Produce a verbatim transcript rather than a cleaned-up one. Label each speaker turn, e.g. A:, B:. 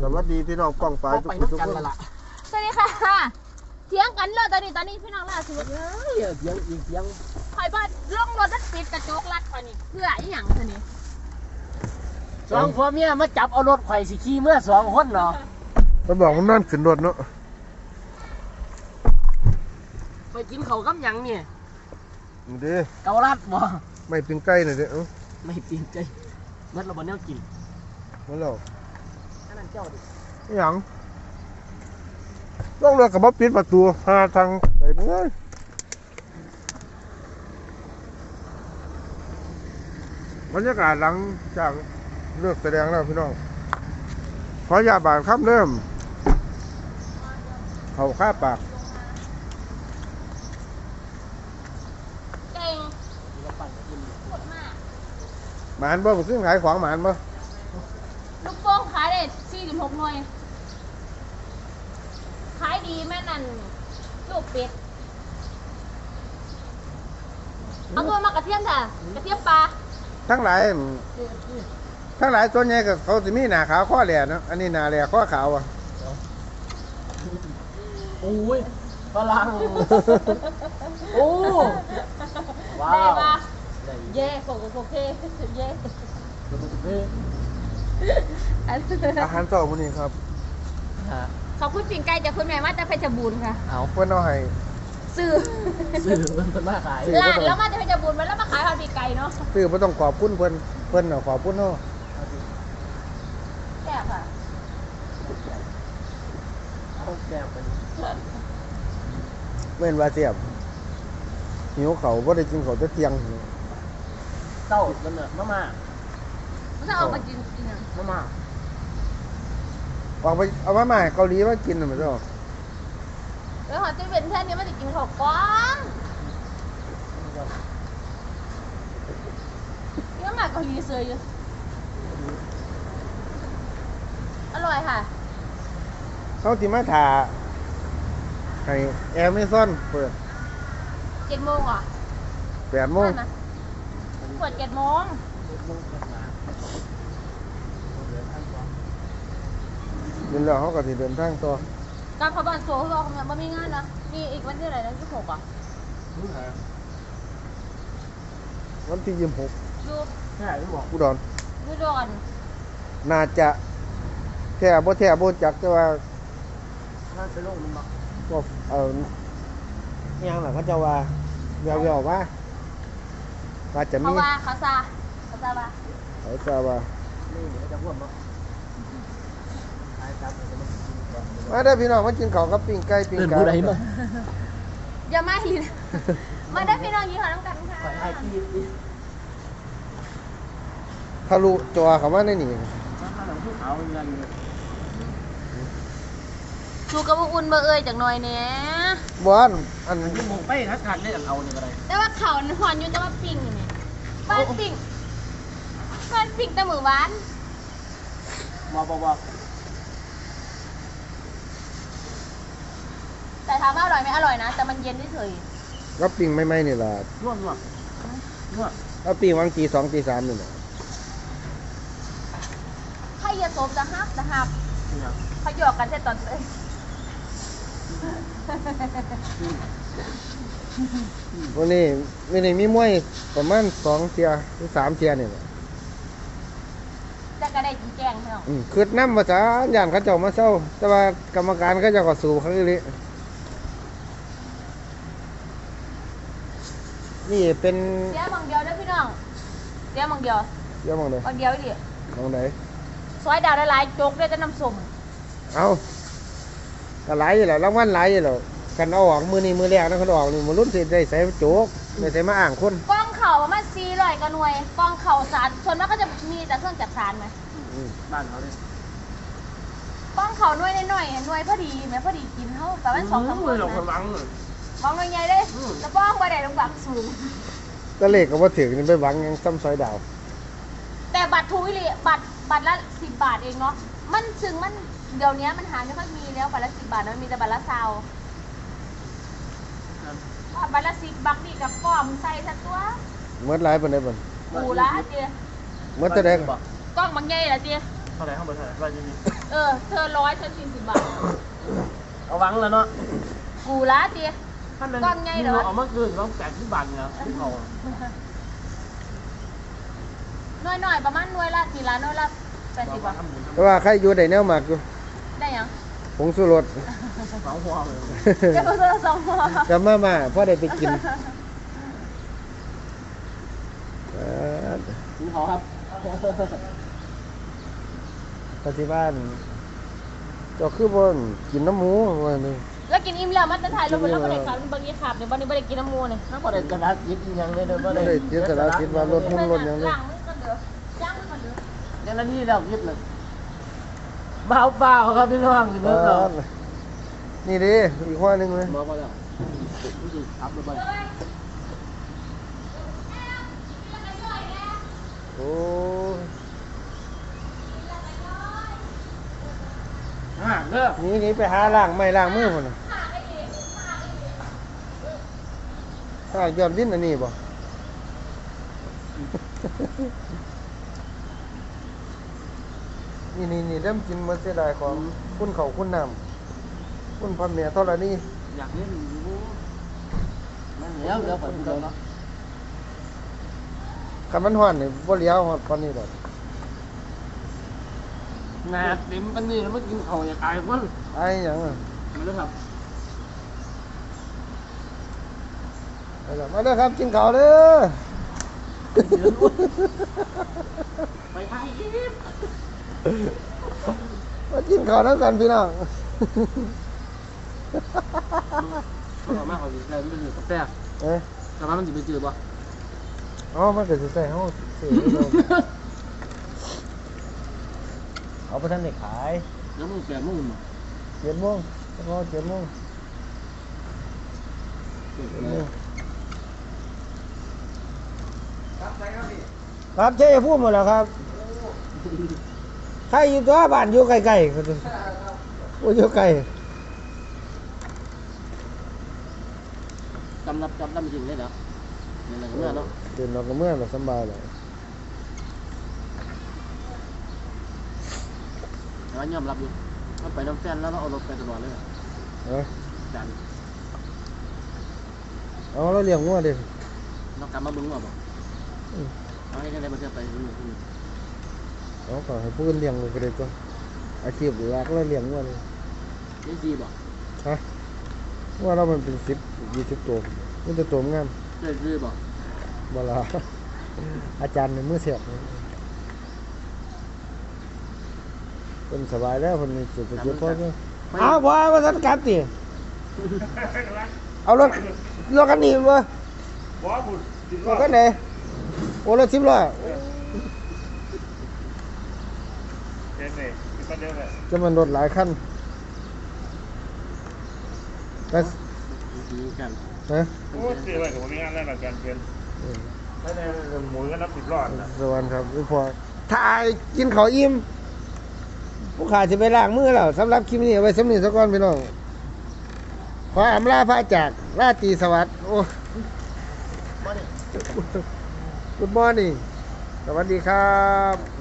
A: วัสดีพี่น้องป้องปลายทุกทุกคน
B: สวัสดีค่ะเถียงกันเลยตอนนี้ตอนนี้พี่น้องล่าสุด
C: เฮ้ยเถียงอีกเถียง
B: คอยบ้านล่องรถนัดปิดกระจกรัดตอนนี้เพื่ออีหยังสินี่
C: สองผัวเมียมาจับเอารถไข่สิขี่เมื่อสองคนเนาะ
A: มันบอกมันนั่นขึ้นรถเนาะ
C: ไปกินเขากับยังเนี่ย
A: เด้
C: เกาลัดบ่
A: ไม่ปิ้งไก่หน่อยเด้อ
C: ไม่ปิ้งไก่เมื่อเราบ่แนวกิน
A: มันหรอก
C: อันนั้นเจ้าดิ
A: หยังต้องเรือกับมาปิดประตูหาทางไปเมื่อยบรรยากาศหลังจากเลิกแสดงแล้วพี่น้องขออย่าบาดครับเริ่มเขาฆ่าปาก
B: เก่งหมดมาก
A: หมานบ่ซึ่งขายของหมานบ่
B: ลูกโป่งขายได้สี่สิบหกหน่วยขายดีแม่นั่นลูกเป็ดเอาตัวมากระเทียมค่ะกระเทียมปลา
A: ทั้งหลายทั้งหลายตัวใหญ่กับเขาจะมีหน้าขาวข้อแหล่เนาะอันนี้หน้าแหล่ข้อขาวอ่ะ
C: โอ้ยฝรั่งโอ้ว้าว
B: เย่โกโกเคเย่
A: อาหารต่อวันนี้ครับ
B: ขอบคุณปิ่งไก่จากคุณแม่มาจากเพชรบูรณ์ค่ะ
A: เอาเพื่อนเอาให้
B: ซื้อ
C: ซื้อเพิ่นมาขาย
B: ร้านแล้วมาจากเพชรบูรณ์แล้วมาขายข้าวปีไก่เนาะ
A: ซื้อไม่ต้องขอบคุณเพื่อนเพื่อนเอาขอบคุณเนาะ
B: แซ่บค่ะ
C: เอาแซ่บไป
A: เว้นว่าเสียบหิวเขาก็ได้กินเขาจะเที่ยง
C: เต้ามันน่ะมาม่า
B: ถ้าเอามากินกินอ่ะ
C: มาม่า
A: ออกไปเอามาใหม่เกาหลีมากินหน่อยมั้ยเจ้า
B: แล้วหอจะเป็นแค่นี้มันจะกินข้าวกล้องเยอะมากเกาหลีเซยอยู่อร่อยค่ะ
A: เขาติมาถ่าให้แอร์ไม่ซ่อนเปิด
B: เจ็ดโมงอ่ะ
A: แปดโมง
B: เปิดเจ็ดโมง
A: เดินแล้วเขาก็จะเดินทางต่อ
B: การขบวนโซ่เขาบอกมันมีงานนะมีอีกวันที่ไหนนะที่หกอ่ะ
A: วันที่ยี่สิบหก
B: ดู
C: ใช่ไม่บอก
A: อุดร
B: อุดร
A: น่าจะแท่บ่แท่บ่จักแต่ว่า
C: น่าจะลงมันมา
A: ก็เออยังหล่ะเขาจะว่าแววๆว่าว่าจะมี
B: เขาว่าเขาซาเขาซาว่า
A: เขาจะว่า
C: นี่เดี๋ยวจะพ่วงเนาะ
A: มาได้พี่น้องมากินข้าวกับปิ้งไก่ปิ้งไก่
B: อย่ามาหินมาได้พี่น้องยี่ห้อน้ำกันค่ะ
A: ทะลุจอเขามาในนี่
B: ชูกระบุอุ่นเบอร์เอ้ยจากหน่อยเนี้ย
A: บ้านอัน
C: นี้มงไปทักทานได้จากเอาเนี่ยอะไร
B: แต่ว่าเขาหอนอยู่แต่ว่าปิ้งเนี่ยบ้านปิ้งบ้านปิ้งแต่หมูหวาน
C: บอกบอกบอก
B: แต่ถามว่าอร่อยไหมอร่อยนะแต่มันเย็นเฉย
A: ๆก็ปิ้งไม่ไม่นี่แหละ
C: นวดนวดนวด
A: แล้วปิ้งวางตีสองตีสามนี่แหละ
B: ให้ยาโสมจะฮักจะฮักเขาหยอกกันแค่ตอนเอ้ย
A: วันนี้วันนี้มีมวยประมาณสองเทียหรือสามเทียนี่แหละ
B: จะกระได้จีแจงใช่ไหม
A: คือน้ำภาษาย่านเขาเจ้ามาเศร้าแต่ว่ากรรมการเขาเจ้าก็สู้เขาเลยนี่เป็น
B: เสียบางเดียวนะพี่น้องเสียบางเดียว
A: เสียบางเดียว
B: บางเดียวดิ
A: บางไหน
B: ซอยดาวหลายๆโจ๊กได้จะน้ำส้ม
A: เอาก็หลายอยู่แล้วรางวัลหลายอยู่แล้วกันเอาออกมือนี้มือแรกนะเขาออกนี่มันรุ่นสิได้ใส่โจ๊กได้ใส่มาอ่างคน
B: กล้องเข่าประมาณสี่ร้อยกระหน่วยกล้องเข่าสารส่วนมากก็จะมีแต่เครื่องจักสารไหม
C: บ้านเขาเลย
B: กล้องเข่าหน่วยหน่อยหน่วยพอดีไหมพอดีกินเขาแต่ว่าสองสามคนนะมองหน่วยใหญ่เลยแล้วป้องไปไหนลงบักสูง
A: ก็เลขก็ว่าถึงนี่ไปหวังยังซ้ำซอยดาว
B: แต่บัตรทูวิลีบัตรบัตรละสิบบาทเองเนาะมันซึ่งมันเดี๋ยวนี้มันหาไม่ค่อยมีแล้วบัตรละสิบบาทมันมีแต่บัตรละซาวบัตรละสิบบักนี่กับป้อมใส่สักตัว
A: เมื่อไรเป็นไงบ้าง
B: ปูละเจี๊ย
A: เมื่อจะได้
B: กล้องบางใหญ่ละเจี๊ย
C: เท่าไหร่ข้างบนเท่าไหร่ร้อยยี่สิบ
B: เออเธอร้อยฉันสี่สิบบาท
C: เอาวังแล้วเนาะ
B: กูละเตี้ย ก้อนไงเหรอ
C: เอามาคืนต้องแปดสิบบาทเนี่ยเอา
B: หน่วยหน่อยประมาณหน่วยละทีละหน่วยละแปดสิบบาท
A: แต่ว่าใครอยู่ได้แนวหมักอยู่
B: ได้ยัง
A: ผงสุรส
C: สองหัวเลย
B: เดี๋ยวเธอสองหัว
A: กับมาม่าพอได้ไปกินเออ
C: กินเขาครับ
A: ปฏิบ้านเจ้าคือบ่นกินน้ำหมูว่าหนึง
B: แล้วกินอิ่มแล้วมันจะถ่ายลงไปแล้วก็ได้ครับบางทีขาดเดี๋ยววันนี้ไม่ได้กินน้ำมูเนี่ย
C: ถ้าพอได้กระดาษยิบอีกอย่างเลยเด้อบ่
A: บ่
C: ได้
A: ได้เสียสละคิดว่ารถหุ่นรถหยังเลย
B: ล้างมือกันเด้อล้างมือกันเด้อ
C: เดี๋ยวนั้นนี่เรายิบเลยเบาเบาครับพี่น้องสิ
A: เอ
C: เบิ่งเรา
A: อนี่ดิอีกข้อหนึงเลย
C: บอกว่าแล้วรู้สึกอัพเลยบ่
A: โอ้ย
C: อ่าเด้อ
A: หนี่นี่ไปหาล้างไม้ล้างมือพุ่นน่ะถ้ายอดวินอันนี้บ่ นี่นี่นี่เริ่มกินมันเสียดายของคุณเขาคุณน้ำคุณพ่อแม่เท่าไรนี่
C: อยากเล่นอยู่มันแล้วแล้วคนเดียวเนาะ
A: คันมันห่อนนี่บ่เลี้ยวฮอดปานนี้ดอก
C: หนาเต็มปันนี้แล้วมากินเขาอยากตายคน
A: ไอ้หยังอ่ะ
C: มาเลยครับ
A: ไปแล้วมาเด้อครับกินข้าวเด้อ
C: ไปไทยอีก
A: มากินข้าวนํกันพี่น้อง
C: เอามาเขาสิแล้วมันเป็นกาแฟ
A: เอ๊ะ
C: แต่ว่ามันสิไปจืดบ่
A: อ๋อมันก็สิใส่เฮาซื้อเอาเอาไปทันได้ขาย
C: แล้วมึงแปดโมงบ่
A: เจ็ดโมงแล้วก็เจ็ดโมงเจ็ดโมงครับเจ๊พูดหมดแล้วครับใครอยู่ตัวบ้านอยู่ไกลๆก็โอ้ยอยู่ไกล
C: จำรับจำได้จริงเลยเหรอนี่แหละก็เมื่อเนาะ
A: เดินออกก็เมื่อแบบสบายเลย
C: แต่ว่ายอมรับอยู่ว่าไปน้ำแฟนแล้วเราเอารถไปตลอดเลย
A: เออ
C: จัน
A: เอาเราเลี้ยงงัวดิ
C: เรากลับมาบึ้งว่าบ่เอาให้ได้มาเที่ยวไปบึ้ง
A: เอาก็ให้ผู้อื่นเลี้ยงเลยก็ได้ก็อาชีพหลักเราเลี้ยงงัวเลย
C: นี่ดีบ่
A: ฮะงัวเรามันเป็นสิบยี่สิบตัวมันจะตัวงาม
C: เจ๊ดีบ่
A: บ่ละอาจารย์ในมือเสียบเป็นสบายแล้วคนมีจุดจุดพอเนี่ยเอาพอมาสันกัดติเอารถรถกันนี่วะรถกันไหนโอ้รถสิบล้อ
D: เดินเลยก็เดินเลย
A: จะมันรถหลายคันแต่
C: ดีกัน
A: นะ
D: โอ้เสียไปกับผมมีงานแล้วหลังการเปลี่ยนแล้วในหมูก็นับสิบรอดนะ
A: สวัสดีครับพี่พอถ่ายกินข้าวอิ่มผู้ขาจะไปล้างมือแล้วสำหรับคลิปนี้เอาไว้สำนีสักก่อนพี่น้องขออำลาพระจากราตรีสวัสดิ์โอ้
C: มาดิ
A: Good morning สวัสดีครับ